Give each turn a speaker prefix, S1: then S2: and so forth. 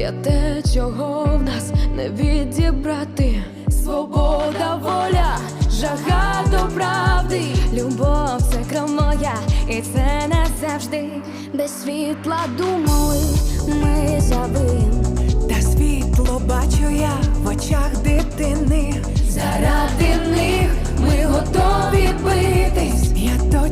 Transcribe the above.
S1: є те, чого в нас не відібрати. Свобода, воля, жага до правди.
S2: Любов — це кров моя, і це назавжди. Без світла думали, ми забиєм.
S3: Та світло бачу я в очах дитини.
S1: Заради них ми готові битись.
S3: Я